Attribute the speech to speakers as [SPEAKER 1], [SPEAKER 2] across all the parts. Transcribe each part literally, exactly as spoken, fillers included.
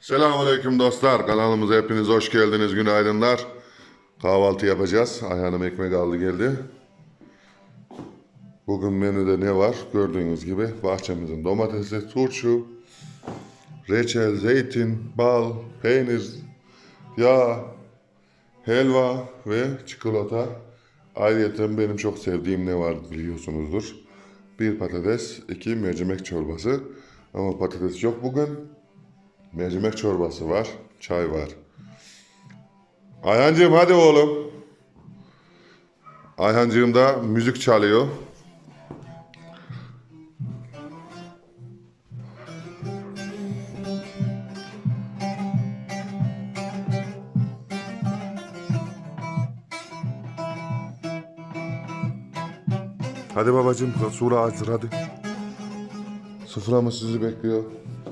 [SPEAKER 1] Selamünaleyküm dostlar. Kanalımıza hepiniz hoş geldiniz. Günaydınlar. Kahvaltı yapacağız. Ayhan'ım ekmek aldı geldi. Bugün menüde ne var? Gördüğünüz gibi bahçemizin domatesi, turşu, reçel, zeytin, bal, peynir, yağ, helva ve çikolata. Ayrıca benim çok sevdiğim ne var biliyorsunuzdur. Bir patates, iki mercimek çorbası. Ama patates yok bugün. Mercimek çorbası var, çay var. Ayhancığım hadi oğlum. Ayhancığım da müzik çalıyor. Hadi babacığım, sura hazır hadi. Sıfırama sizi bekliyor.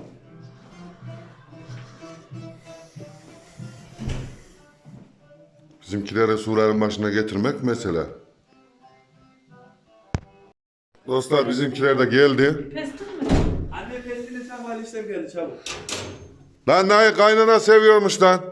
[SPEAKER 1] Bizimkileri suların başına getirmek mesele. Dostlar bizimkiler de geldi.
[SPEAKER 2] Pestil mi?
[SPEAKER 3] Anne pestili sen valizler geldi çabuk.
[SPEAKER 1] Lan Nay kaynana seviyormuş lan.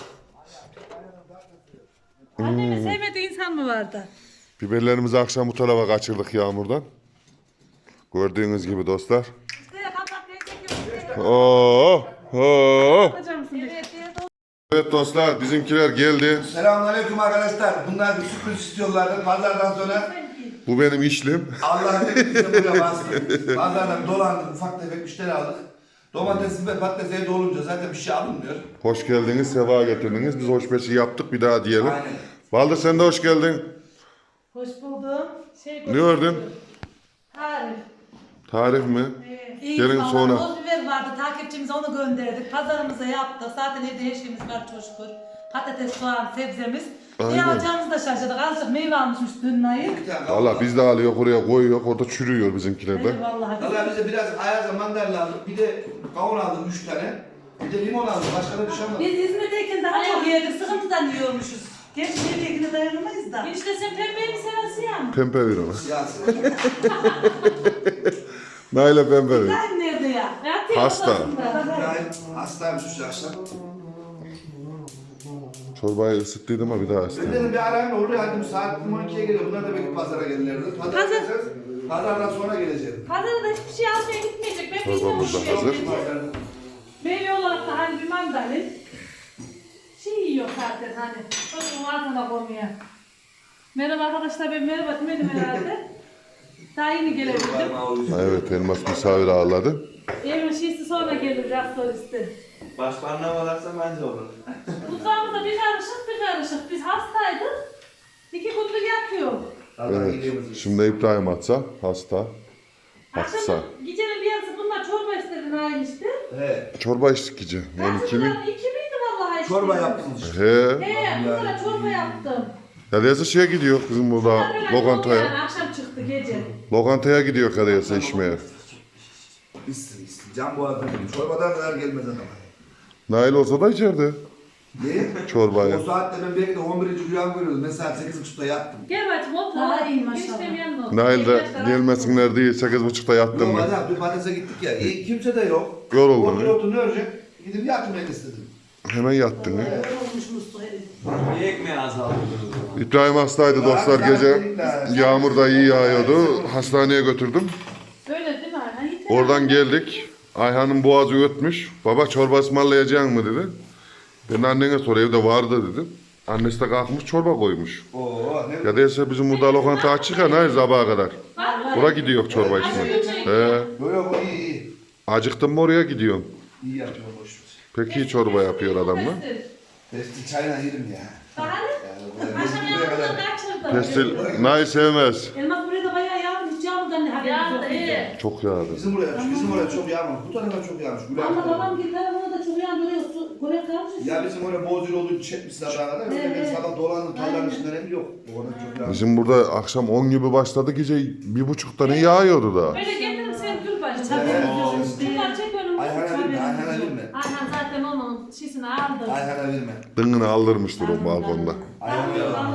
[SPEAKER 2] Annemi sevmediği insan mı vardı?
[SPEAKER 1] Biberlerimizi akşam bu tarafa kaçırdık yağmurdan. Gördüğünüz gibi dostlar.
[SPEAKER 2] İşte kapat çekiyorum.
[SPEAKER 1] Oo, oo.
[SPEAKER 2] Yapacak mısın? Evet, evet.
[SPEAKER 1] Evet dostlar bizimkiler geldi.
[SPEAKER 4] Selamünaleyküm arkadaşlar. Bunlar bir sürpriz istiyorlardı. Pazardan sonra
[SPEAKER 1] Bu benim işlim.
[SPEAKER 4] Allah hepimize buraya bastı. Pazardan dolandık, ufak tefek müşteri aldık. Domatesi ve patates evde olunca zaten bir şey alınmıyor.
[SPEAKER 1] Hoş geldiniz, sefa getirdiniz. Biz hoşbeşi yaptık bir daha diyelim.
[SPEAKER 4] Aynen.
[SPEAKER 1] Baldır sen de hoş geldin.
[SPEAKER 2] Hoş buldum. Şey
[SPEAKER 1] Ne gördün?
[SPEAKER 2] Tarif.
[SPEAKER 1] Tarif mi?
[SPEAKER 2] İyi
[SPEAKER 1] Gelin
[SPEAKER 2] vallahi
[SPEAKER 1] sonra.
[SPEAKER 2] Boz biber vardı. Takipçimize onu gönderdik. Pazarımıza yaptık. Zaten evde her şeyimiz var çok şükür. Patates, soğan, sebzemiz.
[SPEAKER 1] Aynen.
[SPEAKER 2] Ne alacağımızı da şaşırdık. Azıcık meyve almışmış dün Nayı.
[SPEAKER 4] Bir tane
[SPEAKER 1] Valla biz de alıyor oraya koyuyor. Orada çürüyor bizimkiler de.
[SPEAKER 2] Evet vallahi.
[SPEAKER 4] Allah bize biraz ayaza mandalina aldık. Bir de kavun aldım üç tane. Bir de limon aldım. Başka da bir şey almadım.
[SPEAKER 2] Biz İzmir'deyken daha çok yedik. Sıkıntıdan yiyormuşuz. Gerçi nereye dayanamayız da.
[SPEAKER 5] İşte sen pembeyi mi seversin ya?
[SPEAKER 1] Pembe ver ona.
[SPEAKER 4] Siyasi.
[SPEAKER 1] Nail'e pembe ver.
[SPEAKER 2] Sen nerede ya?
[SPEAKER 5] Yatıyor
[SPEAKER 1] Hasta.
[SPEAKER 5] odasında.
[SPEAKER 4] Yani hastaymış şu akşam.
[SPEAKER 1] Çorbayı ısıttıydım ama bir daha
[SPEAKER 4] Ben
[SPEAKER 1] ısıtayım.
[SPEAKER 4] dedim bir arayayım da oraya hadi saat on ikiye geliyor. Bunlar da belki pazara gelirlerdi. Pazar
[SPEAKER 2] Pazar-
[SPEAKER 4] geleceğiz. Pazardan sonra geleceğim.
[SPEAKER 5] Pazarda hiçbir şey almaya gitmeyecek. Ben
[SPEAKER 1] Çorbamız da
[SPEAKER 5] bilmiyorum.
[SPEAKER 1] hazır.
[SPEAKER 5] Meyve olarak da hani bir mandalin. Şey yiyor zaten hani. Çocuğun ağzına koymuyor. Merhaba arkadaşlar, ben merhaba demedim herhalde. Daha yeni gelebildim.
[SPEAKER 1] Ha, evet elmas misafir ağırladı.
[SPEAKER 5] Evin şeysi sonra gelir gastrolisti.
[SPEAKER 3] Başparmağı varsa bence olur.
[SPEAKER 5] Mutfağımızda bir karışık bir karışık. Biz hastaydık. İki gündür yatıyor.
[SPEAKER 1] Evet. Şimdi İbrahim atsa hasta. Hasta.
[SPEAKER 5] Akşam gecenin bir yarısı bunlar çorba istedi aynı işte.
[SPEAKER 4] He.
[SPEAKER 1] Çorba içtik gece. on iki mi?
[SPEAKER 5] Kaçıncıdan iki miydi vallahi işte.
[SPEAKER 4] Çorba yaptınız işte.
[SPEAKER 1] He.
[SPEAKER 5] He, bunlara çorba yaptım.
[SPEAKER 1] Ya neyse şeye gidiyor kızım burada
[SPEAKER 5] Bunlar böyle oldu yani,
[SPEAKER 1] lokantaya.
[SPEAKER 5] akşam çıktı gece.
[SPEAKER 1] Lokantaya gidiyor kadıyası içmeye.
[SPEAKER 4] İstin istin. Can boğazdan geliyor. Çorbadan kadar gelmez adama.
[SPEAKER 1] Nail olsa da içerdi
[SPEAKER 4] Ne?
[SPEAKER 1] çorbayı.
[SPEAKER 4] O saatte ben belki de on birinci rüyam görüyordum. Ben saat sekiz buçukta yattım.
[SPEAKER 5] Gel bacım otur.
[SPEAKER 2] Daha iyi maşallah.
[SPEAKER 5] Eniştem yanına otur.
[SPEAKER 1] Nail de
[SPEAKER 5] Arkadaşlar,
[SPEAKER 1] gelmesinler diye sekiz buçukta yattım
[SPEAKER 4] Yok
[SPEAKER 1] mı?
[SPEAKER 4] adam bir patatese gittik ya. E, kimse de yok.
[SPEAKER 1] Yoruldun
[SPEAKER 4] Otur
[SPEAKER 1] he?
[SPEAKER 4] otur ne örecek? Gidip yatmayı istedim.
[SPEAKER 1] Hemen yattın he?
[SPEAKER 2] Olmuş Mustafa herif.
[SPEAKER 3] Bir ekmeği azaldı.
[SPEAKER 1] İbrahim hastaydı dostlar gece. Yağmur da iyi yağıyordu. Hastaneye götürdüm.
[SPEAKER 5] Öyle değil mi Ayhan? Yeter.
[SPEAKER 1] Oradan geldik. Ayhan'ın boğazı ötmüş. Baba çorba ısmarlayacak mı dedi. Ben annene sor evde vardı dedim. Annesi de kalkmış çorba koymuş.
[SPEAKER 4] Oo ne?
[SPEAKER 1] Ya değilse bizim burada lokanta açık ya hayır sabaha kadar. Oraya gidiyor çorba içmeye. He.
[SPEAKER 4] Böyle bu iyi iyi.
[SPEAKER 1] Acıktın mı oraya gidiyorsun.
[SPEAKER 4] İyi yapıyor boş ver.
[SPEAKER 1] Pek iyi çorba yapıyor adam mı?
[SPEAKER 4] Testi çayla yerim ya.
[SPEAKER 5] Daha ne?
[SPEAKER 4] Yani buraya
[SPEAKER 5] Akşam
[SPEAKER 4] buraya kadar.
[SPEAKER 5] yanımda kaçırdım.
[SPEAKER 1] Pestil Nail sevmez.
[SPEAKER 2] Elmas buraya da bayağı yağdı. Hiç yağmurdan ne haberimiz
[SPEAKER 5] Ya
[SPEAKER 2] yok.
[SPEAKER 5] da iyi.
[SPEAKER 1] Çok yağdı.
[SPEAKER 4] Bizim buraya, bizim oraya çok yağmamış. Bu tarafa çok yağmış. Gül
[SPEAKER 2] Ama
[SPEAKER 4] abi.
[SPEAKER 2] babam bir tarafına da çok yağdı. Oraya su görev kalmış.
[SPEAKER 4] Ya bizim oraya bozul olduğu çekmiş sabaha kadar. Öyle ben
[SPEAKER 2] Evet.
[SPEAKER 4] sabah dolandım tarlanın içinden hep yok. Orada çok yağmış.
[SPEAKER 1] Bizim burada akşam on gibi başladı gece bir buçukta ne yağıyordu da.
[SPEAKER 5] Böyle getirin sen dur bacım.
[SPEAKER 2] Tabii
[SPEAKER 4] Evet.
[SPEAKER 2] işte.
[SPEAKER 5] Bunlar çek önümü.
[SPEAKER 4] Ayhan'a verme, Ayhan'a verme.
[SPEAKER 5] Ayhan zaten onun şişini aldı.
[SPEAKER 4] Ayhan'a verme.
[SPEAKER 1] Dыңını aldırmıştır o balkonda.
[SPEAKER 4] Ayhan'a verme.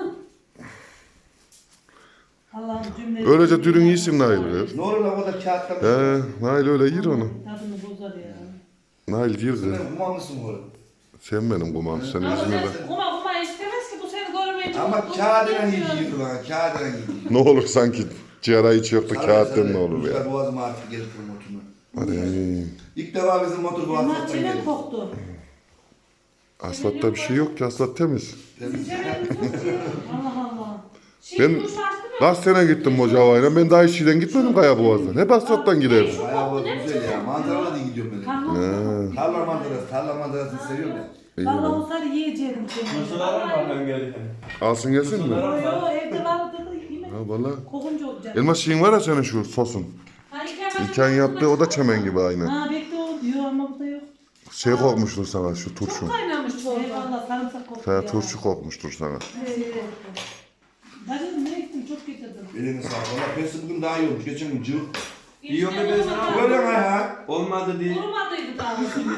[SPEAKER 2] Allah'ım cümle.
[SPEAKER 1] Öylece dürün iyisin Nail kız.
[SPEAKER 4] Ne olur lan o da kağıttan.
[SPEAKER 1] He, Nail öyle yer onu.
[SPEAKER 2] Tadını bozar ya.
[SPEAKER 1] Nail girdi.
[SPEAKER 4] Sen kuma mısın oğlum?
[SPEAKER 1] Sen benim kumam. Sen
[SPEAKER 5] Ama
[SPEAKER 1] İzmir'de.
[SPEAKER 5] sen kuma kuma istemez ki bu seni görmeyince.
[SPEAKER 4] Ama
[SPEAKER 5] mutlu
[SPEAKER 4] kağıdına
[SPEAKER 5] diyemiyor.
[SPEAKER 4] gidiyor lan, kağıdına gidiyor.
[SPEAKER 1] Ne olur sanki ciğera hiç yoktu. Kağıttan ne olur ya.
[SPEAKER 4] Rüzgar boğazıma artık gelip motoruna.
[SPEAKER 1] Hadi.
[SPEAKER 4] İlk defa bizim motor bu
[SPEAKER 2] Elmas
[SPEAKER 4] asfalttan
[SPEAKER 2] çenem
[SPEAKER 4] geldi.
[SPEAKER 2] koktu.
[SPEAKER 1] Asfaltta bir şey yok ki. Asfalt temiz.
[SPEAKER 5] Bizim çevremiz çok iyi.
[SPEAKER 2] Allah Allah.
[SPEAKER 5] Şimdi
[SPEAKER 1] Ben
[SPEAKER 5] duş açtı mı?
[SPEAKER 1] kaç sene gittim Mocava'yla. Ben daha hiç şeyden gitmedim Kaya Boğaz'dan. Hep asfalttan giderdim.
[SPEAKER 4] Bayağı boğaz güzel ya. Manzaralı da gidiyorum ben.
[SPEAKER 2] Kanlı
[SPEAKER 1] Ha,
[SPEAKER 4] Tarla manzarası, tarla manzarasını seviyorum ya.
[SPEAKER 1] iyi
[SPEAKER 2] Valla
[SPEAKER 1] bakalım.
[SPEAKER 2] olsaydı yiyecektim seni.
[SPEAKER 3] Mısırlar mı ben gelirken?
[SPEAKER 1] Alsın gelsin mi?
[SPEAKER 2] Yo yo evde vardı da yemek
[SPEAKER 1] Ha valla.
[SPEAKER 2] kokunca olacak.
[SPEAKER 1] Elmas şeyin var ya senin şu sosun.
[SPEAKER 5] Ha, iki hemen
[SPEAKER 1] İlken yaptığı o da çemen gibi aynı.
[SPEAKER 2] Ha bekle o diyor ama burada yok.
[SPEAKER 1] Şey kokmuştur sana şu turşu.
[SPEAKER 5] Çok kaynamış çorba.
[SPEAKER 2] Eyvallah sarımsak koktu
[SPEAKER 1] Sana
[SPEAKER 2] ya.
[SPEAKER 1] turşu kokmuştur sana.
[SPEAKER 2] Bacım ne ektim çok getirdim.
[SPEAKER 4] Elini sağ ol. Valla pesi bugün daha iyi olmuş. Geçen gün cıvık.
[SPEAKER 3] İyi oldu ben sana.
[SPEAKER 4] Böyle mi ya?
[SPEAKER 3] Olmadı değil.
[SPEAKER 5] Kurumadıydı daha.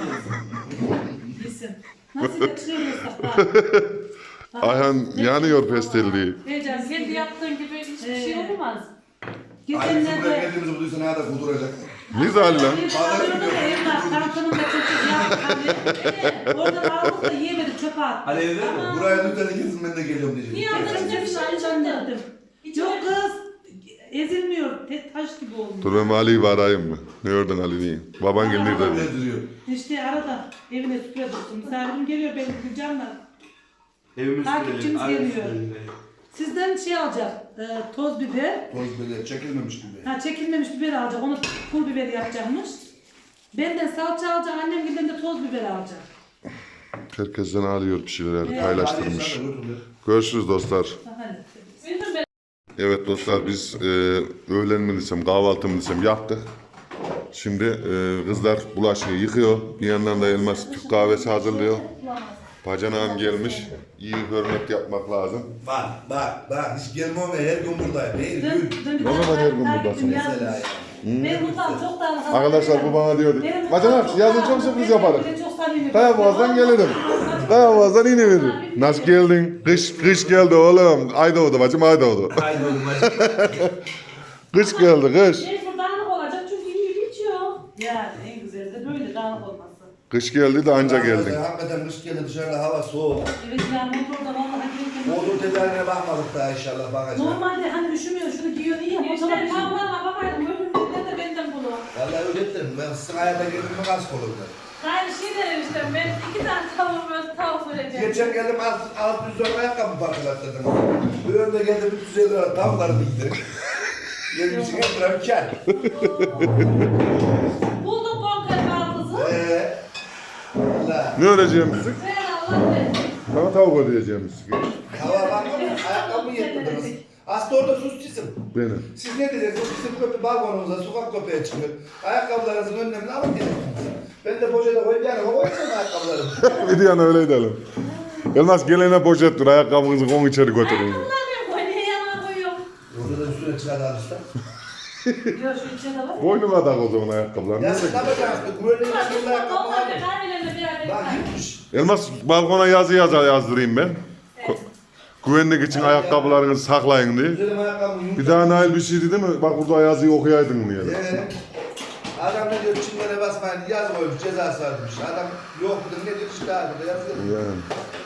[SPEAKER 2] Yesin. Nasıl da çıkıyoruz bak.
[SPEAKER 1] Ayhan yanıyor pestelliği.
[SPEAKER 5] Heyecan kendi yaptığın gibi hiçbir şey
[SPEAKER 2] Ee.
[SPEAKER 5] olmaz.
[SPEAKER 4] Aynısı buraya
[SPEAKER 2] Geçenlerde
[SPEAKER 4] geldiğimizi bulduysa ne kadar kuduracak.
[SPEAKER 1] Ne zali lan?
[SPEAKER 2] bir alıyordu da evlat kankanın da çocuk yaptı. Oradan aldık da yiyemedik çöpe attık.
[SPEAKER 3] Hadi evde mi?
[SPEAKER 4] Buraya lütfen kesin ben de geliyorum diyecek.
[SPEAKER 5] Niye aldın?
[SPEAKER 2] Geçen bir şey zannettim. Yok kız. Ezilmiyor. Tek taş gibi olmuş.
[SPEAKER 1] Dur ben Ali'yi bir arayayım mı? Ne gördün Ali diye. Baban geldi
[SPEAKER 4] Ne
[SPEAKER 1] dedi.
[SPEAKER 4] duruyor?
[SPEAKER 2] İşte arada evine süpüre dursun. Misafirim geliyor benim Gülcan'la.
[SPEAKER 3] Evimiz
[SPEAKER 2] Takipçimiz
[SPEAKER 3] sürelim,
[SPEAKER 2] geliyor.
[SPEAKER 3] ailemiz sürelim.
[SPEAKER 2] Sizden şey alacak. E, toz biber.
[SPEAKER 4] Toz böyle çekilmemiş gibi.
[SPEAKER 2] Ha çekilmemiş biber alacak. Onu pul biber yapacakmış. Benden salça alacak. Annem giden de toz biber alacak.
[SPEAKER 1] Herkesten alıyor bir şeyler
[SPEAKER 2] Evet.
[SPEAKER 1] paylaştırmış.
[SPEAKER 4] Hadi sen de götür.
[SPEAKER 1] Görüşürüz dostlar.
[SPEAKER 2] Hadi.
[SPEAKER 5] Bilmiyorum ben.
[SPEAKER 1] Evet dostlar biz e, öğlen mi desem kahvaltı mı desem yaptık. Şimdi e, kızlar bulaşığı yıkıyor. Bir yandan da Elmas Türk kahvesi hazırlıyor. Bacanağım gelmiş. İyi hürmet yapmak lazım.
[SPEAKER 4] Bak bak bak hiç gelmem ya her gün buradayım. Her
[SPEAKER 2] Dün,
[SPEAKER 4] gün.
[SPEAKER 2] dün bir
[SPEAKER 1] Ne zaman
[SPEAKER 2] tane
[SPEAKER 1] her gün
[SPEAKER 2] takipçim
[SPEAKER 1] buradasın?
[SPEAKER 2] yazmış.
[SPEAKER 4] Mesela ya.
[SPEAKER 2] Ben mutfağım çok da
[SPEAKER 1] Arkadaşlar bu bana diyordu.
[SPEAKER 2] Benim
[SPEAKER 1] Bacanak
[SPEAKER 2] mutfağım
[SPEAKER 1] yazın
[SPEAKER 2] çok
[SPEAKER 1] çok
[SPEAKER 2] da-
[SPEAKER 1] sürpriz
[SPEAKER 2] benim
[SPEAKER 1] yaparım.
[SPEAKER 2] bile çok samimi.
[SPEAKER 1] Kaya Boğaz'dan gelirim. Kaya Boğaz'dan yine veririm. Nasıl geldin? Kış, kış geldi oğlum. Ay doğdu bacım ay doğdu.
[SPEAKER 4] Haydi oğlum hadi.
[SPEAKER 1] Kış geldi kış.
[SPEAKER 5] Mecbur dağınık olacak çünkü iyi geçiyor.
[SPEAKER 2] Yani en güzeli de böyle dağınık olması.
[SPEAKER 1] Kış geldi de anca geldin.
[SPEAKER 4] Hakikaten kış geldi dışarıda hava soğuk.
[SPEAKER 2] Evet yani motorda vallahi gelirken.
[SPEAKER 4] Motor tedarine bakmadık daha inşallah bakacağız.
[SPEAKER 2] Normalde hani üşümüyor şunu giyiyor iyi ama motora
[SPEAKER 5] İşte
[SPEAKER 2] üşümüyor.
[SPEAKER 5] tavlarına bakaydım. Öbüründe de benden bunu.
[SPEAKER 4] Vallahi ödettim. Ben sizin hayata girdim mi kask olurdu.
[SPEAKER 5] Aynı şey derim işte. Ben iki tane tavuk böyle tavuk vereceğim.
[SPEAKER 4] Geçen geldim alt, alt yüz lira ayakkabı parçalattırdım. Bir önde geldim üç yüz elli lira tavukları bildim. Gelmiş iki lira bir kar.
[SPEAKER 5] Buldum bonker baldızı.
[SPEAKER 4] Eee. Valla.
[SPEAKER 1] Ne öreceğim bizi?
[SPEAKER 5] Ver Allah versin.
[SPEAKER 1] Sana tavuk ödeyeceğim bizi.
[SPEAKER 4] Hava bakma ayakkabı mı yetmediniz? Aslında orada susçusun.
[SPEAKER 1] Benim.
[SPEAKER 4] Siz ne diyeceksiniz? Bizim köpü balkonumuza sokak köpeğe çıkıyor. Ayakkabılarınızın önlemini alın diyeceksiniz. Ben de poşete koyup yani koyacağım ayakkabılarımı.
[SPEAKER 1] Bir yana öyle edelim. Elmas gelene poşet dur ayakkabınızı kon içeri götürün.
[SPEAKER 5] Ayakkabılar benim koy. Niye yanına koyuyorum?
[SPEAKER 4] Orada da üstüne çıkardı alışta.
[SPEAKER 2] Yok şu içine de var. ya.
[SPEAKER 1] Boynuma tak o zaman ayakkabılarını.
[SPEAKER 4] Ya siz ne yapacaksınız? Güvenliğin üstünde ayakkabı var
[SPEAKER 5] Onlar
[SPEAKER 4] mı?
[SPEAKER 5] da kahvelerine bir araya
[SPEAKER 4] Bak
[SPEAKER 5] koy.
[SPEAKER 4] gitmiş.
[SPEAKER 1] Elmas balkona yazı yazar yazdırayım ben. Ko- Güvenlik için ayakkabılarınızı saklayın diye.
[SPEAKER 4] Güzelim ayakkabımı yumuşak.
[SPEAKER 1] Bir daha Nail bir şey dedi mi? Bak burada yazıyı okuyaydın diye.
[SPEAKER 4] Ee, Adam ne diyor çimlere basmayın yaz koymuş cezası varmış. Adam yok dedim ne diyor işte abi de yazıyor.
[SPEAKER 1] Yani.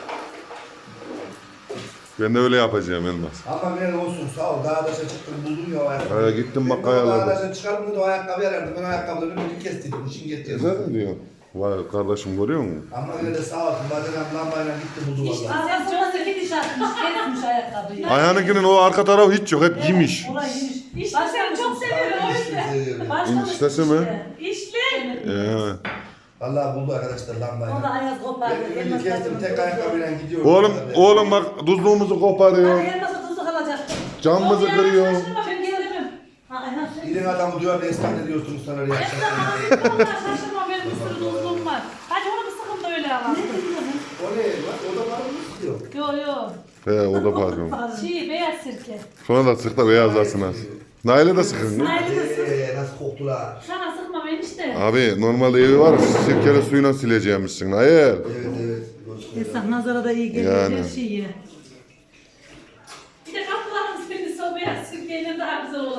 [SPEAKER 1] Ben de öyle yapacağım Elmas.
[SPEAKER 4] Ama ben olsun sağ ol dağdaşa çıktım buldum ya o ayakkabı.
[SPEAKER 1] Haya gittim bak
[SPEAKER 4] Ben o
[SPEAKER 1] ayarladım.
[SPEAKER 4] dağdaşa çıkardım da o ayakkabı yarardım. Ben o ayakkabıları bir kestirdim işin getirdim.
[SPEAKER 1] Güzel diyor. Vay kardeşim görüyor musun?
[SPEAKER 4] Ama yine de sağ olsun bacanem lambayla gitti buldu
[SPEAKER 5] İşte
[SPEAKER 4] valla.
[SPEAKER 2] Aa, sonra iki diş atmış, kesmiş ayakkabıyı.
[SPEAKER 1] Ayhan'ınkinin o arka tarafı hiç yok. Hep yemiş.
[SPEAKER 2] Orayı yemiş.
[SPEAKER 5] İşte sen çok seviyorum o yüzden.
[SPEAKER 2] Başlamış
[SPEAKER 1] İştesi
[SPEAKER 2] işte.
[SPEAKER 1] mi?
[SPEAKER 5] İşte.
[SPEAKER 1] Ee.
[SPEAKER 4] Valla buldu arkadaşlar lambayla.
[SPEAKER 2] O da ayaz kopardı.
[SPEAKER 4] Ben ümidi
[SPEAKER 2] elmas
[SPEAKER 4] kestim tek
[SPEAKER 2] tadını
[SPEAKER 4] ayakkabıyla gidiyorum.
[SPEAKER 1] Oğlum, oğlum bak tuzluğumuzu koparıyor.
[SPEAKER 2] Ay elmasa tuzlu kalacak.
[SPEAKER 1] Camımızı
[SPEAKER 5] Yok ya,
[SPEAKER 1] kırıyor.
[SPEAKER 5] şaşırma, ben gelemem.
[SPEAKER 2] Ha Ayhan sen.
[SPEAKER 4] İlin adamı duyar ne istan ediyorsunuz sana oraya.
[SPEAKER 5] Esnaf abi, şaşırma benim bir sürü dostluğum var. Hadi onu bir sıkın da öyle alalım.
[SPEAKER 4] O ne lan? O da var mı istiyor?
[SPEAKER 5] Yo yo.
[SPEAKER 1] He o da pardon.
[SPEAKER 5] Şey beyaz sirke.
[SPEAKER 1] Sonra da sık da beyazlasın az. Nail'e de sıkın. lan.
[SPEAKER 4] Eee nasıl koktular.
[SPEAKER 5] Sana sıkma ben işte.
[SPEAKER 1] Abi normalde evi var. Sirkeli suyla sileceğimmişsin. Hayır.
[SPEAKER 4] Evet evet.
[SPEAKER 2] Esnaf nazara da iyi geliyor.
[SPEAKER 1] Yani.
[SPEAKER 2] Her şey iyi.
[SPEAKER 5] Bir de kapılarımız birisi o beyaz sirkeyle daha güzel olacak da.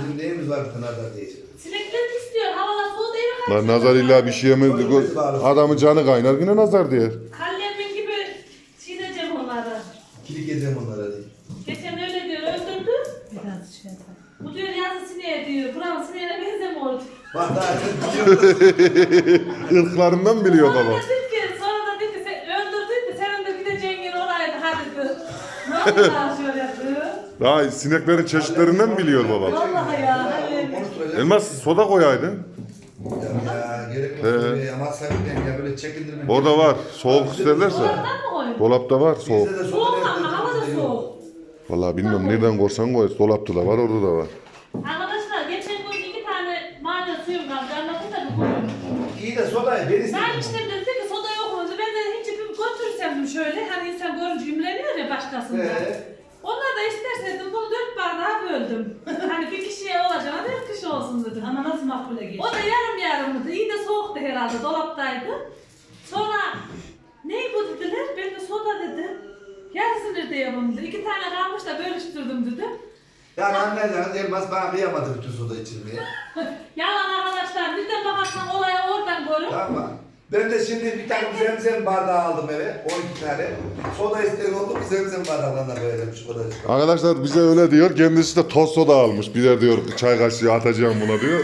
[SPEAKER 4] Bizim neyimiz var bir nazar diyecek.
[SPEAKER 5] Sinekler istiyor. Havalar soğudu eve
[SPEAKER 1] Lan
[SPEAKER 5] kaçıyor.
[SPEAKER 1] nazar illa bir şey yemezdi. Adamın canı kaynar yine nazar diyor.
[SPEAKER 5] Kallemin gibi çiğneyeceğim onları.
[SPEAKER 4] Kilik edeceğim onlara diye.
[SPEAKER 5] Geçen öyle diyor, öldürdü.
[SPEAKER 2] Biraz şey yapalım.
[SPEAKER 5] Bu diyor yazı sineğe diyor. Buranın sineğine benzemiyor.
[SPEAKER 4] Bak daha sen biliyorsun.
[SPEAKER 1] Irklarından biliyor
[SPEAKER 5] Sonra
[SPEAKER 1] baba.
[SPEAKER 5] da dedi ki, sonra da dedi ki sen öldürdün de senin de gideceğin yer oraydı hadi diyor. Ne oldu daha şöyle yapıyor?
[SPEAKER 1] Daha sineklerin çeşitlerinden biliyor baba.
[SPEAKER 2] Vallahi ya. Hani
[SPEAKER 4] Konuşturacağım.
[SPEAKER 1] Elmas soda koyaydın.
[SPEAKER 4] Ya, ya gerek yok.
[SPEAKER 1] He.
[SPEAKER 4] Böyle ya masraf etmeyin ya böyle çekindirmeyin.
[SPEAKER 1] Orada var. Soğuk isterlerse.
[SPEAKER 5] Oradan mı koyun?
[SPEAKER 1] Dolapta var soğuk.
[SPEAKER 4] Bizde de
[SPEAKER 5] Soğuk
[SPEAKER 4] soda
[SPEAKER 5] ama hava da soğuk.
[SPEAKER 1] Vallahi bilmiyorum nereden korsan koy. Dolapta da var orada da var.
[SPEAKER 5] Arkadaşlar geçen gün iki tane maden suyum kaldı. Anlatın da bir koyun.
[SPEAKER 4] İyi de sodayı ben istedim.
[SPEAKER 5] Ben işte dedi ki soda yok mu? Ben de hiç bir götürsem şöyle. Hani insan görünce imreniyor ya başkasında.
[SPEAKER 4] Ee?
[SPEAKER 5] Onlar da isterseydim bunu dört bardağa böldüm. Hani bir kişiye olacağına dört kişi olsun dedim.
[SPEAKER 2] ama nasıl makbule geçti?
[SPEAKER 5] O da yarım yarımdı. İyi de soğuktu herhalde. Dolaptaydı. Sonra ne bu dediler? Ben de soda dedim. Yarısını ödeyemem dedi. İki tane kalmış da bölüştürdüm dedi.
[SPEAKER 4] Yani anlayacağınız Elmas bana kıyamadı bütün soda içirmeye.
[SPEAKER 5] Yalan arkadaşlar. Bizden bakarsan olaya oradan görün.
[SPEAKER 4] Tamam mı? Ben de şimdi bir tane zemzem bardağı aldım eve. on iki tane. Soda isteyen oldu. Bir zemzem bardağından koyacağım şu kadar.
[SPEAKER 1] Arkadaşlar bize öyle diyor. Kendisi de toz soda almış. Birer diyor çay kaşığı atacağım buna diyor.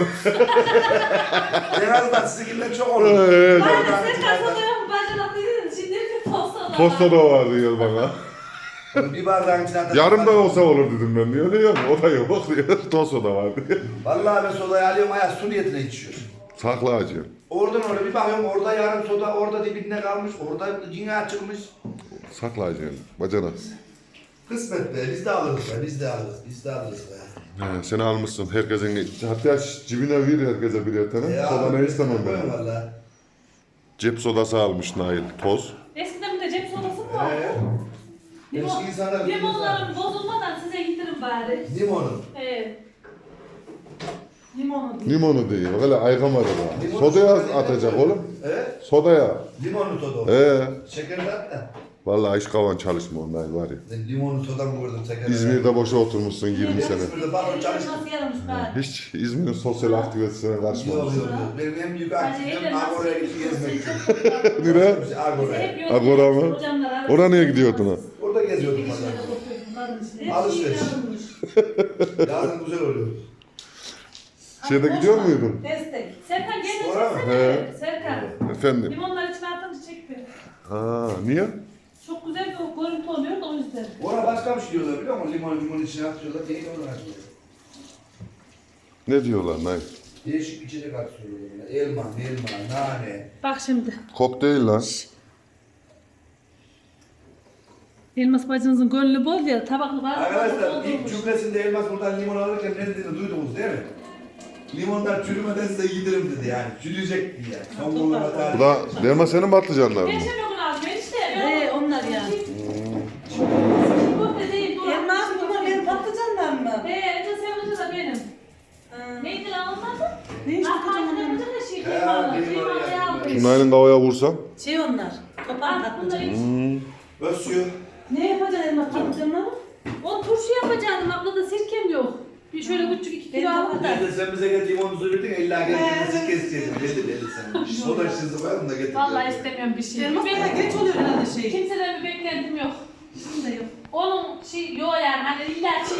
[SPEAKER 4] En azından sizinkinden çok olur.
[SPEAKER 1] Evet.
[SPEAKER 5] Aynen sen de soda yok mu? Bacana dedin. Şimdi bir toz soda var.
[SPEAKER 1] Toz soda var diyor bana.
[SPEAKER 4] Bir bardağın içine atacağım.
[SPEAKER 1] Yarımdan olsa olur dedim ben diyor. Diyor mu? O da yok diyor. Toz soda var diyor.
[SPEAKER 4] Vallahi ben sodayı alıyorum ayağı su niyetine içiyorum.
[SPEAKER 1] Sakla acı.
[SPEAKER 4] Oradan oraya bir bakıyorum orada yarım soda orada dibinde kalmış. Orada yine açılmış.
[SPEAKER 1] Sakla acı. Bacana.
[SPEAKER 4] Kısmet be biz de alırız be biz de alırız biz de alırız be.
[SPEAKER 1] He, sen almışsın herkesin. Hatta cibine ver herkese birer tane.
[SPEAKER 4] Ya,
[SPEAKER 1] Soda ne istemem
[SPEAKER 4] koyuyorum
[SPEAKER 1] ben.
[SPEAKER 4] Vallahi.
[SPEAKER 1] Cep sodası almış Nail. Toz.
[SPEAKER 5] Eskiden bir de cep sodası mı vardı?
[SPEAKER 4] Ee,
[SPEAKER 5] Limon,
[SPEAKER 4] eski insanlar
[SPEAKER 5] limonlarım bozulmadan size getirin bari.
[SPEAKER 4] Limonu.
[SPEAKER 5] Evet. Limonu değil.
[SPEAKER 1] Limonu diyor. Böyle aygamadı da.
[SPEAKER 4] Limonu
[SPEAKER 1] Sodaya
[SPEAKER 4] soda
[SPEAKER 1] atacak
[SPEAKER 4] değil mi?
[SPEAKER 1] oğlum.
[SPEAKER 4] He?
[SPEAKER 1] Sodaya.
[SPEAKER 4] Limonlu soda o.
[SPEAKER 1] Ee,
[SPEAKER 4] Şeker de at da.
[SPEAKER 1] vallahi iş kavan çalışma Nail var ya.
[SPEAKER 4] Ben limonlu soda mı gördüm şeker?
[SPEAKER 1] İzmir'de boşa oturmuşsun yirmi sene.
[SPEAKER 4] İzmir'de baro çalıştım.
[SPEAKER 5] Nasıl yaramış bari?
[SPEAKER 1] Hiç İzmir'in sosyal aktivitesine
[SPEAKER 4] Yok
[SPEAKER 1] karışmamış.
[SPEAKER 4] yok yok. Benim en büyük
[SPEAKER 5] Bence
[SPEAKER 4] aktivitem
[SPEAKER 5] evde nasıl
[SPEAKER 4] Agora'ya gidip gezmek.
[SPEAKER 1] Nereye?
[SPEAKER 4] Agora'ya.
[SPEAKER 1] Agora mı? Oraya niye gidiyordun ha?
[SPEAKER 4] Orada geziyordum valla. Alışveriş. Yazın güzel oluyor.
[SPEAKER 1] Şeyde gidiyor muydun?
[SPEAKER 2] Destek.
[SPEAKER 5] Serkan gel de
[SPEAKER 4] Sonra mı?
[SPEAKER 5] çeksene.
[SPEAKER 1] He.
[SPEAKER 5] Serkan.
[SPEAKER 1] Efendim?
[SPEAKER 5] Limonları içine atınca çek bir.
[SPEAKER 1] Ha, niye?
[SPEAKER 5] Çok güzel bir görüntü oluyor da o yüzden.
[SPEAKER 4] Ona başka bir şey diyorlar biliyor musun? Limon limon içine atıyorlar. Değil onlar.
[SPEAKER 1] Ne diyorlar Nail?
[SPEAKER 4] Değişik içecek atıyorlar. Elma, elma, nane.
[SPEAKER 5] Bak şimdi.
[SPEAKER 1] Kokteyl lan.
[SPEAKER 5] Elmas bacınızın gönlü bol ya tabaklı var.
[SPEAKER 4] Arkadaşlar ilk cümlesinde Elmas buradan limon alırken ne dediğini duydunuz değil mi? Limonlar çürümeden size yedirim dedi yani. Çürüyecek diye. Son bulunma
[SPEAKER 1] Bu
[SPEAKER 4] tarihi.
[SPEAKER 1] da derma senin patlıcanlar mı?
[SPEAKER 5] Geçen gün aldım işte.
[SPEAKER 2] Ee, onlar ya.
[SPEAKER 5] Köfte değil dur.
[SPEAKER 2] Elmas bunlar benim patlıcanlar mı?
[SPEAKER 5] He, önce sen önce de benim.
[SPEAKER 2] Ha.
[SPEAKER 5] Neydi lan onlar?
[SPEAKER 2] Ne iş
[SPEAKER 5] Ah,
[SPEAKER 2] patlıcanlar?
[SPEAKER 5] patlıcanlar da şey,
[SPEAKER 4] He,
[SPEAKER 5] kıymalı.
[SPEAKER 4] kıymalı
[SPEAKER 5] Kıymalı
[SPEAKER 4] yaptım
[SPEAKER 5] aldım.
[SPEAKER 1] Nail'in kavaya vursam.
[SPEAKER 2] Şey onlar. Topan
[SPEAKER 5] Ah, bunları
[SPEAKER 2] patlıcan.
[SPEAKER 5] hiç-
[SPEAKER 4] Ösüyor.
[SPEAKER 2] Ne yapacaksın elmas patlıcanları?
[SPEAKER 5] O turşu yapacaktım. Ablada sirkem yok. Bir şöyle küçük iki kilo
[SPEAKER 2] Ben de
[SPEAKER 5] aldım da.
[SPEAKER 4] Neyse sen bize gel limonu söyledin illa gel kendisi keseceğiz. Belli belli sen. Soda şişesi koyalım da getir.
[SPEAKER 5] Vallahi istemiyorum bir şey.
[SPEAKER 2] Elmas
[SPEAKER 5] Bir
[SPEAKER 2] da
[SPEAKER 5] bekle-
[SPEAKER 2] geç oluyor herhalde şey.
[SPEAKER 5] Kimseden bir beklentim yok.
[SPEAKER 2] Şimdi de yok.
[SPEAKER 5] Onun şey yok yani hani illa şey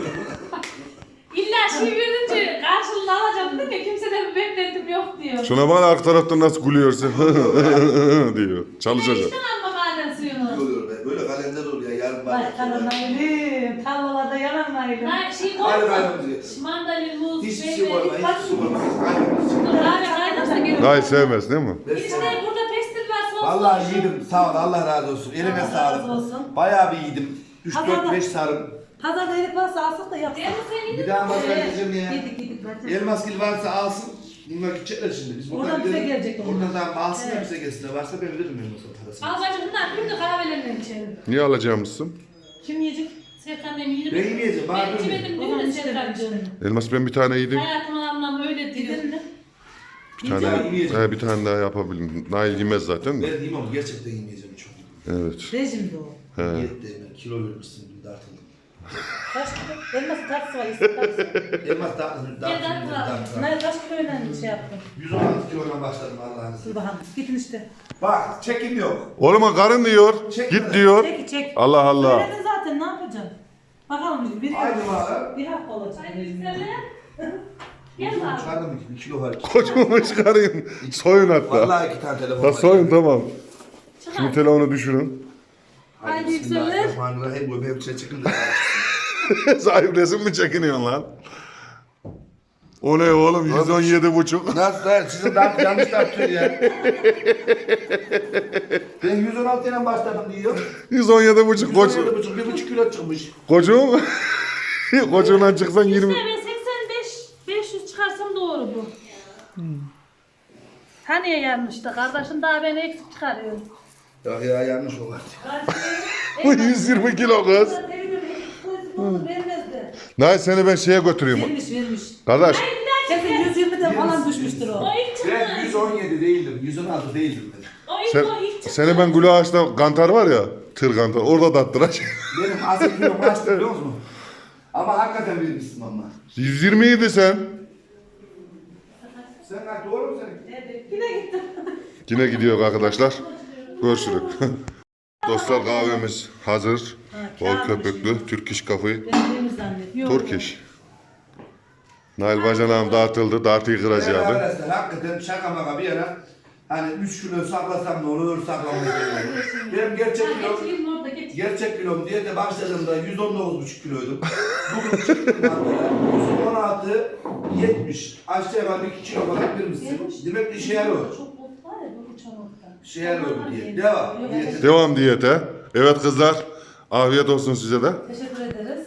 [SPEAKER 5] illa şey verince karşılığını alacağım dedim ya kimseden bir beklentim yok diyor.
[SPEAKER 1] Şuna bak arka taraftan nasıl gülüyorsun diyor. Çalışacak.
[SPEAKER 5] İşte alma maden suyunu.
[SPEAKER 4] Oluyor be. Böyle kalender oluyor yarın
[SPEAKER 2] Vay
[SPEAKER 4] bak.
[SPEAKER 2] karanaylı. Tarlalarda yanarmaylı.
[SPEAKER 5] Ha şey
[SPEAKER 4] Hayır,
[SPEAKER 5] koyma.
[SPEAKER 4] hayır.
[SPEAKER 5] Mandalin, muz,
[SPEAKER 4] Hiçbir
[SPEAKER 5] meyve,
[SPEAKER 4] şey koyma, hiçbir şey koyma. Aynen.
[SPEAKER 5] Kahve kaynarsa gelir.
[SPEAKER 1] Nail sevmez değil mi?
[SPEAKER 5] İçinde burada pestil var, sos
[SPEAKER 4] Vallahi
[SPEAKER 5] var.
[SPEAKER 4] yedim. Sağ ol. Allah razı olsun. Eline
[SPEAKER 2] Allah
[SPEAKER 4] sağlık.
[SPEAKER 2] razı olsun.
[SPEAKER 4] Bayağı bir yedim. üç dört
[SPEAKER 2] Pazarda-
[SPEAKER 4] beş sarım.
[SPEAKER 2] Pazarda erik varsa alsak da yapsak.
[SPEAKER 5] Elmas sen yedin
[SPEAKER 4] Bir daha
[SPEAKER 5] mi?
[SPEAKER 4] masaya gideceğim ya.
[SPEAKER 2] Yedik yedik bacım.
[SPEAKER 4] Elmas gibi varsa alsın. Bunlar gidecekler şimdi. Biz
[SPEAKER 2] Oradan bize
[SPEAKER 4] gidelim.
[SPEAKER 2] gelecek onlar.
[SPEAKER 4] Oradan tamam alsın da
[SPEAKER 2] Evet.
[SPEAKER 4] bize gelsin. Varsa ben veririm Elmas'a parasını.
[SPEAKER 5] Al bacım bunlar bir de kahvelerinden içelim.
[SPEAKER 1] Niye alacağımızsın?
[SPEAKER 2] Kim yiyecek?
[SPEAKER 5] Serkan demin yedim.
[SPEAKER 4] Ben yemeyeceğim, bana
[SPEAKER 5] Ben
[SPEAKER 4] dönme.
[SPEAKER 5] içemedim
[SPEAKER 2] O
[SPEAKER 5] değil
[SPEAKER 2] zaman
[SPEAKER 5] mi
[SPEAKER 2] işte
[SPEAKER 5] Serkan'cığım?
[SPEAKER 2] ben
[SPEAKER 1] Elmas ben bir tane yedim.
[SPEAKER 5] Hayatımın anlamı öyle diyor.
[SPEAKER 2] Yedin mi?
[SPEAKER 1] Bir tane,
[SPEAKER 4] Yiyeceğim.
[SPEAKER 1] he, bir tane daha yapabilirim. Nail yemez zaten de.
[SPEAKER 4] Ben yiyeyim ama gerçekten yemeyeceğim çok.
[SPEAKER 1] Evet.
[SPEAKER 2] Rejimde o.
[SPEAKER 1] He.
[SPEAKER 4] Yetti hemen. Kilo vermişsin. Bir de artık.
[SPEAKER 2] Kaç kilo? Elması tatlısı var. isim tatlısı.
[SPEAKER 4] Elmas tatlısı.
[SPEAKER 5] Gel, gel, gel.
[SPEAKER 2] Ne kaç kilo önemli şey yaptım.
[SPEAKER 4] yüz on altı kilodan başladım Allah'ın
[SPEAKER 2] Dur
[SPEAKER 4] izniyle.
[SPEAKER 2] bakalım. Gidin işte.
[SPEAKER 4] Bak çekim yok.
[SPEAKER 1] Oğlum karın diyor.
[SPEAKER 4] Çekme.
[SPEAKER 1] Git diyor.
[SPEAKER 2] Çek çek.
[SPEAKER 1] Allah Allah.
[SPEAKER 2] Söyledin zaten ne yapacaksın? Bakalım bir
[SPEAKER 4] Aynı var.
[SPEAKER 2] bir hafta olacak.
[SPEAKER 5] Haydi yükselir. Gel abi.
[SPEAKER 4] Çıkardım iki, bir kilo var.
[SPEAKER 1] Kocumu çıkarayım. Soyun hatta.
[SPEAKER 4] Vallahi iki tane telefon
[SPEAKER 1] Da
[SPEAKER 4] var.
[SPEAKER 1] soyun tamam.
[SPEAKER 5] Çıkar.
[SPEAKER 1] Şimdi telefonu düşürün.
[SPEAKER 5] Haydi yükselir.
[SPEAKER 4] Bismillahirrahmanirrahim. Bu benim içine çıkın da.
[SPEAKER 1] Sahip resim mi çekiniyorsun lan? O ne oğlum yüz on yedi buçuk.
[SPEAKER 4] Nasıl lan? Sizin daha yanlış tartıyor ya. Ben yüz on altı ile başladım diyor.
[SPEAKER 1] yüz on yedi buçuk
[SPEAKER 4] yüz on
[SPEAKER 1] koç.
[SPEAKER 4] yedi buçuk, bir buçuk kilo çıkmış.
[SPEAKER 1] Kocuğum. Kocuğundan çıksan
[SPEAKER 5] İşte
[SPEAKER 1] yirmi.
[SPEAKER 5] ben seksen beş beş yüz çıkarsam doğru bu. Hani yanlıştı kardeşim daha beni eksik çıkarıyor.
[SPEAKER 4] Ya ya yanlış o var.
[SPEAKER 1] Bu yüz yirmi kilo kız.
[SPEAKER 2] Vermezdi.
[SPEAKER 1] Nay seni ben şeye götüreyim.
[SPEAKER 2] Vermiş vermiş.
[SPEAKER 1] Kardeş.
[SPEAKER 2] Kesin yüz yirmiden falan düşmüştür o.
[SPEAKER 5] O ilk çıktı.
[SPEAKER 4] Ben yüz on yedi değildim, yüz on altı değildim ben.
[SPEAKER 5] O ilk
[SPEAKER 1] Sen,
[SPEAKER 5] o ilk çıktı.
[SPEAKER 1] seni ben Gül Ağaç'ta kantar var ya. Tır kantar. Orada dattıracağım.
[SPEAKER 4] Benim asıl kilom kaçtı biliyor musun? Ama hakikaten bilmişsin ama.
[SPEAKER 1] yüz yirmi idi sen.
[SPEAKER 4] Sen kaç doğru mu senin?
[SPEAKER 2] Yine gittim.
[SPEAKER 1] Yine gidiyor arkadaşlar. Görüşürüz. Dostlar kahvemiz hazır. Bol köpüklü. Türk iş kafayı.
[SPEAKER 2] Ben temiz zannettim.
[SPEAKER 1] Türk iş. Nail bacanağım dağıtıldı. Dartıyı
[SPEAKER 4] Ben
[SPEAKER 1] kıracaktı.
[SPEAKER 4] arkadaşlar hakikaten şaka maka bir yana hani üç kilo saklasam ne olur saklamayı seviyorum. Benim gerçek kilom
[SPEAKER 5] Geçeyim orada geç.
[SPEAKER 4] gerçek kilom diye de başladığımda yüz on dokuz buçuk kiloydum. Bugün çıktım hatta yüz on altı yetmiş. Aşağı yukarı iki kilo falan birmişsin. Demek ki işe yarıyor.
[SPEAKER 5] Çok ot var ya bu uçan ottan.
[SPEAKER 4] İşe yarıyor diye. Devam. Diyete.
[SPEAKER 1] Devam diyete. Evet kızlar. Afiyet olsun size de.
[SPEAKER 2] Teşekkür ederiz.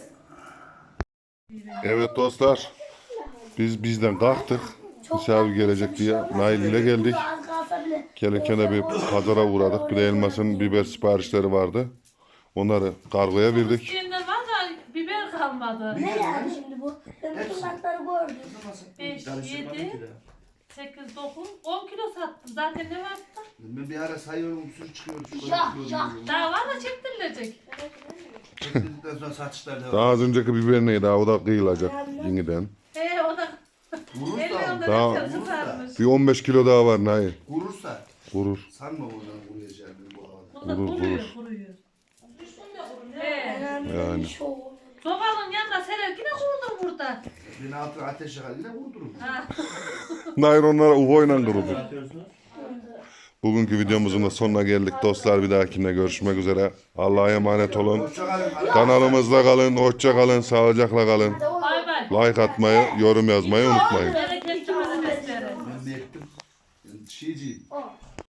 [SPEAKER 1] Evet dostlar. Biz bizden kalktık. Misafir gelecek diye Nail ile geldik. Gelirken de bir pazara uğradık. Bir de elmasın biber siparişleri vardı. Onları kargoya verdik.
[SPEAKER 5] Şimdi var da biber kalmadı.
[SPEAKER 6] Ne yani şimdi bu? Ben bu tırnakları gördüm.
[SPEAKER 5] beş, yedi, sekiz, dokuz, on kilo sattım. Zaten ne vardı?
[SPEAKER 4] Ben bir ara sayıyorum sürü çıkıyor.
[SPEAKER 6] Şah, şah.
[SPEAKER 5] Daha var da çektirilecek.
[SPEAKER 4] Çektirdikten sonra satışlar devam.
[SPEAKER 1] Daha az önceki biber neydi? O da kıyılacak yeniden.
[SPEAKER 5] Ee o da
[SPEAKER 4] Vurursa,
[SPEAKER 5] elli
[SPEAKER 1] Daha-
[SPEAKER 5] onda ne tutarmış.
[SPEAKER 1] Bir on beş kilo daha var Nail.
[SPEAKER 4] vurursa
[SPEAKER 1] Vurur.
[SPEAKER 4] sanma oradan vuracağını bu havada.
[SPEAKER 5] Bu da
[SPEAKER 1] Vurur,
[SPEAKER 5] kuruyor,
[SPEAKER 1] vurur.
[SPEAKER 5] kuruyor. Ee,
[SPEAKER 1] Yani.
[SPEAKER 6] Şovu.
[SPEAKER 5] sobanın yanında serer yine kurdum burada.
[SPEAKER 4] Beni altına ateş yakar yine vurdurum.
[SPEAKER 5] Ha.
[SPEAKER 1] Nail onlara uvoyla kırıldı. Bugünkü videomuzun da sonuna geldik dostlar. Bir dahakine görüşmek üzere. Allah'a emanet olun.
[SPEAKER 4] Hoşçakalın.
[SPEAKER 1] Kanalımızda kalın. Hoşça kalın. Sağlıcakla kalın.
[SPEAKER 5] Bay bay.
[SPEAKER 1] Like atmayı, yorum yazmayı unutmayın.
[SPEAKER 5] Bereket